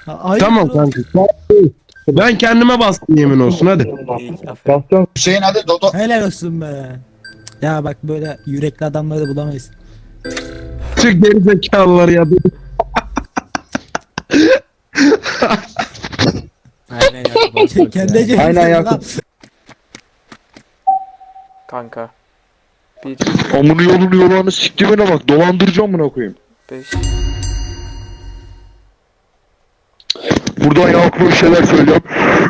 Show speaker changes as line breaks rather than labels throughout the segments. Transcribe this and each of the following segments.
Tamam kanka. Ben kendime bastım yemin olsun hadi.
İyi, aferin.
Hüseyin hadi Dodo.
Helal olsun be. Ya bak böyle yürekli adamları da bulamayız.
Çık geri zekalılar ya.
Aynen ya. Kendi
Aynen Yakup.
Kanka. 1,
Amını yolunu siktimine bak. Dolandıracağım buna koyayım.
5.
Buradan Yakup'a bir şeyler söyleyeceğim.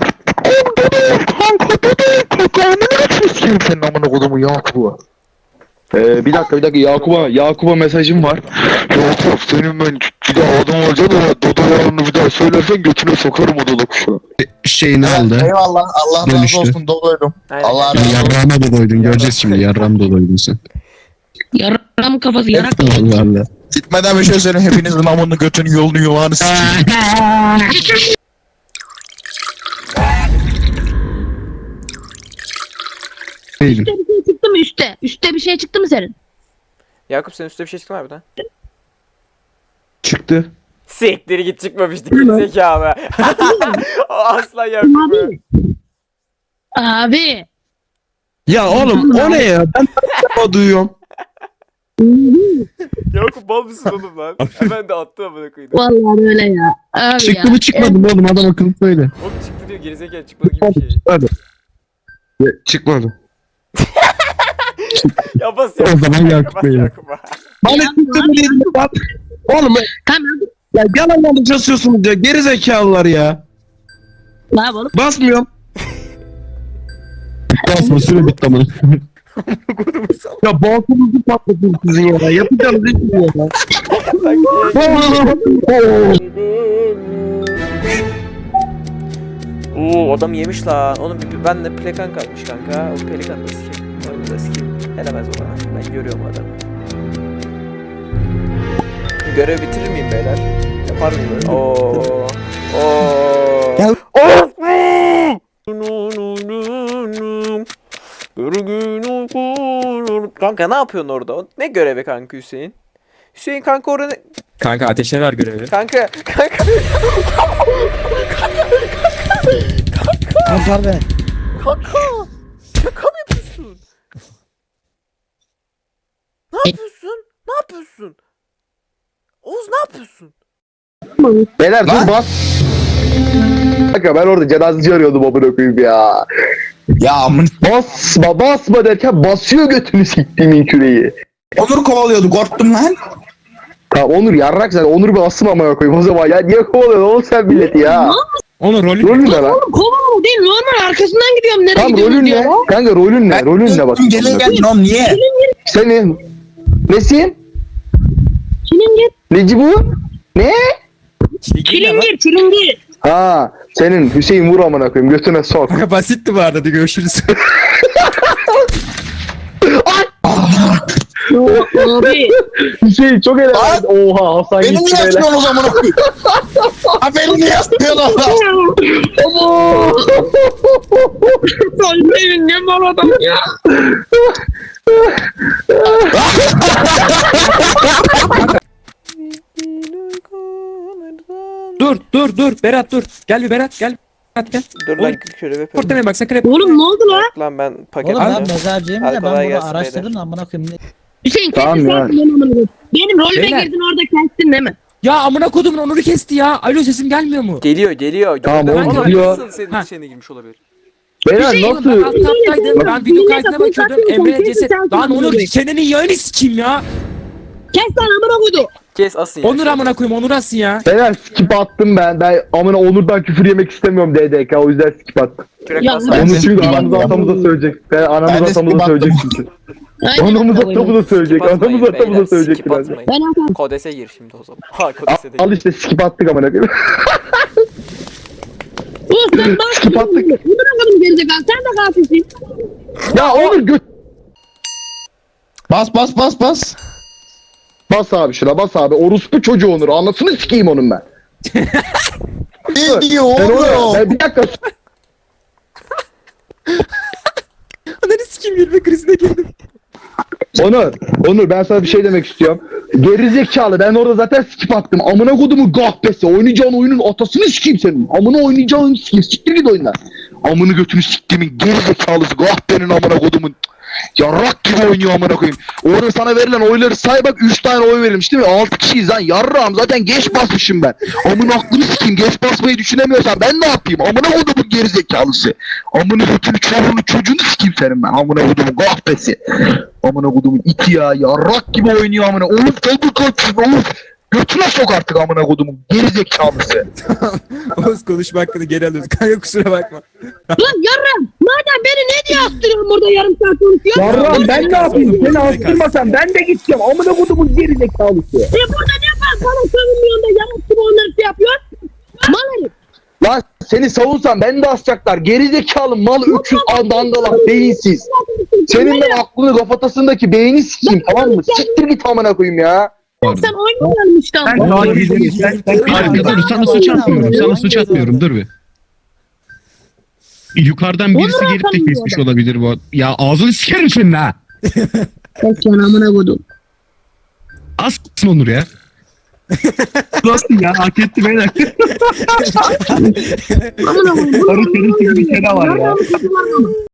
Kanka amına sikeyim senin amına kodumu Yakup'a. Bir dakika Yakup'a mesajım var. Yakup senin ben bir daha adam olacağım ama Dodo yalanını bir daha söylersen götüne sokarım o Dodo kuşu.
Şeyini aldı.
Eyvallah. Allah razı
Dönüştü.
olsun. Dodoydum.
Aynen.
Allah razı olsun.
Yarrağıma da doydun. Göreceğiz şimdi. Yarrağım da doydun sen.
Yaram kafası yarak.
Vallahi.
Gitmeden bir şey söyleyeyim. Hepinizin amını götünü yolunu yuvağını sikeyim.
Değilim.
Üste bir şey çıktı mı üste? Üste bir şey çıktı mı senin?
Yakup senin üstte bir şey çıktı mı harbiden?
Çıktı.
Siktir git çıkmamıştı gerizekalı. O asla Yakup.
Abi. Abi.
Ya oğlum o ne ya? Ben o duyuyorum.
Yakup bal mısın oğlum lan? Hemen de attı amına koyayım.
Vallahi öyle ya. Abi
Çıktı
ya.
mı çıkmadı mı oğlum? Adam akıllı söyle.
Oğlum çıktı diyor gerizekalı çıkmadı gibi bir şey.
Hadi. Çıkmadı.
Ya bas
O
Yakup.
zaman Yakup
Bas
Bey.
Yakup'a.
Bana çıktı mı dedim bak. Oğlum
Tamam.
ya yalan yanlış yazıyorsunuz ya. Geri zekalılar ya.
Ne yapalım?
Basmıyorum. Basma süre bitti ama. Ya balkonunuzu patlatın sizin ya. Yapacağım değil ya.
Oo adam yemiş lan. Oğlum ben de pelikan kalmış kanka. O pelikan da sikeyim. Oyunu da sikeyim. Elemez o bana. Ben görüyorum adamı. Görev bitirir miyim beyler? Yapar mıyım böyle? Oo. Oo.
Gel.
Of! Kanka ne yapıyorsun orada? Ne görevi kanka Hüseyin? Hüseyin kanka orada ne?
Kanka ateşe ver görevi.
Kanka.
Kurtar beni.
Kanka! Şaka mı yapıyorsun? Ne yapıyorsun? Ne yapıyorsun? Oğuz ne yapıyorsun?
Beyler dur bas. Kanka ben orada cenazeci arıyordum amına koyayım ya.
Ya amın.
Basma derken basıyor götünü siktiğimin küreği.
Onur kovalıyordu. Korktum lan.
Tamam Onur yarrak sen Onur bir asım amına koyayım o zaman ya niye kovalıyorsun oğlum sen milleti ya.
Onun rolü
Rolün ne lan?
Oğlum kovalama değil normal arkasından gidiyorum. Nereye
Tamam
gidiyorsun
rolün
diyor.
ne? Kanka rolün ne? Rolün ne bak.
Gelin geldin oğlum niye?
Senin. Nesin?
Çilingir.
Neci bu? Ne?
Çilingir.
Ha senin Hüseyin vur amına koyayım götüne sok.
Kanka basitti bu arada hadi görüşürüz.
Abi.
Hüseyin çok helal. Oha Hasan
Beni
gitti
niye
böyle.
atıyorsun o zaman okuyun? Ha beni niye atıyorsun Allah?
Benim ne mal adam ya.
dur Berat dur. Gel bir Berat gel. Berat gel.
Dur
Oğlum,
lan görev yapıyorum.
Ortamaya bak sakın hep.
Oğlum ne oldu lan?
Lan ben paket
Oğlum ben
alacağım.
mezarcıyım
Hadi
da
kolay
ben bunu
gelsin
araştırdım
beyler.
da amına koyayım.
Hüseyin
Tamam
kesin
ya.
sen benim rolüme
Beyler.
girdin orada kestin değil mi?
Ya amına kodumun Onur'u kesti ya. Alo sesim gelmiyor mu?
Geliyor.
Tamam,
Gördüm.
oğlum,
Ama
geliyor.
Nasıl senin
Ha.
içine girmiş olabilir?
Beyler
Oğlum, ben
nasıl?
alt taptaydım. Ben video
Dinle,
kaydına
kapıyı
bakıyordum.
kapatın,
Emre
kapıyı
ceset.
kapatın,
Lan Onur
kapıyı.
senenin yayını sikeyim ya.
Kes lan amına koydu.
Kes asın ya.
Onur amına koyayım Onur asın ya.
Beyler skip attım ben. Ben amına Onur'dan küfür yemek istemiyorum DDK o yüzden skip attım.
Kürek
Ya,
bassana.
ben-
Onu
de
çünkü
skip
anamıza
attım.
atamıza söyleyecek. Ben
Ben
anamıza
de
atamıza
skip
söyleyecek
attım.
çünkü.
Aynen.
Anamıza atamıza söyleyecek.
Skip atmayın
Anamıza
beyler,
atamıza söyleyecek
skip
birazdan.
atmayın.
Ben atarım.
Kodese gir şimdi o zaman. Ha kodese de
Al
gir.
işte skip attık amına koyayım.
Oğlum sen bak.
Skip attık.
Amına koydum gerizekalı. Sen de katilsin.
Ya Onur göt.
Bas.
Bas abi şuna bas abi. Orospu çocuğu Onur. Anasını sikeyim onun ben.
Ne diyor
Ben
oğlum?
onu. Bir dakika.
Ananı sikeyim gülme krizine girdim.
Onur ben sana bir şey demek istiyorum. Gerizekalı ben orada zaten skip attım. Amına kodumu gahbesi. Oynayacağın oyunun atasını sikeyim senin. Amına oynayacağın oyunu sikeyim. Siktir git oyundan. Amını götünü siktimin gerizekalısı. Gahbenin amına kodumun. Yarrak gibi oynuyor amına koyayım. Orada sana verilen oyları say bak 3 tane oy verilmiş değil mi? 6 kişiyiz lan yarrağım zaten geç basmışım ben. Amına aklını sikeyim geç basmayı düşünemiyorsan ben ne yapayım? Amına kodumun gerizekalısı. Amına götünü çocuğunu sikeyim senin ben. Amına kodumun gahbesi. Amına kodumun iti ya yarrak gibi oynuyor amına. Oğlum tabi kaçsın oğlum. Götüne sok artık amına kodumun gerizekalısı.
Oğuz konuşma hakkını geri alıyoruz. Kanka kusura bakma.
Lan yarram. Madem beni ne diye astırıyorsun burada yarım saat konuşuyorsun?
Yarrağım ben ne yapayım? Seni astırmasam ben de gideceğim. Amına kodumun gerizekalısı.
Burada ne var? Bana savunmuyorsun da yarım gibi onları şey yapıyorsun. Mal herif.
Lan seni savunsam ben de asacaklar. Gerizekalı mal öküz dangalak beyinsiz. Senin ben aklını kafatasındaki beyni sikeyim tamam mı? Siktir git amına koyayım ya.
Sen oynamayalmıştın.
Ben daha gizli.
Dur sana suç atmıyorum. Sana suç atmıyorum. Dur bir. Yukarıdan birisi
Onur
gelip de
atamıyor
kesmiş
adam.
olabilir bu. Ya ağzını sikerim senin ha.
Kes lan amına kodum.
Assın Onur ya.
Nasıl ya? Hak etti beyler.
Amına kodum.
Sarı senin gibi bir kere var ya.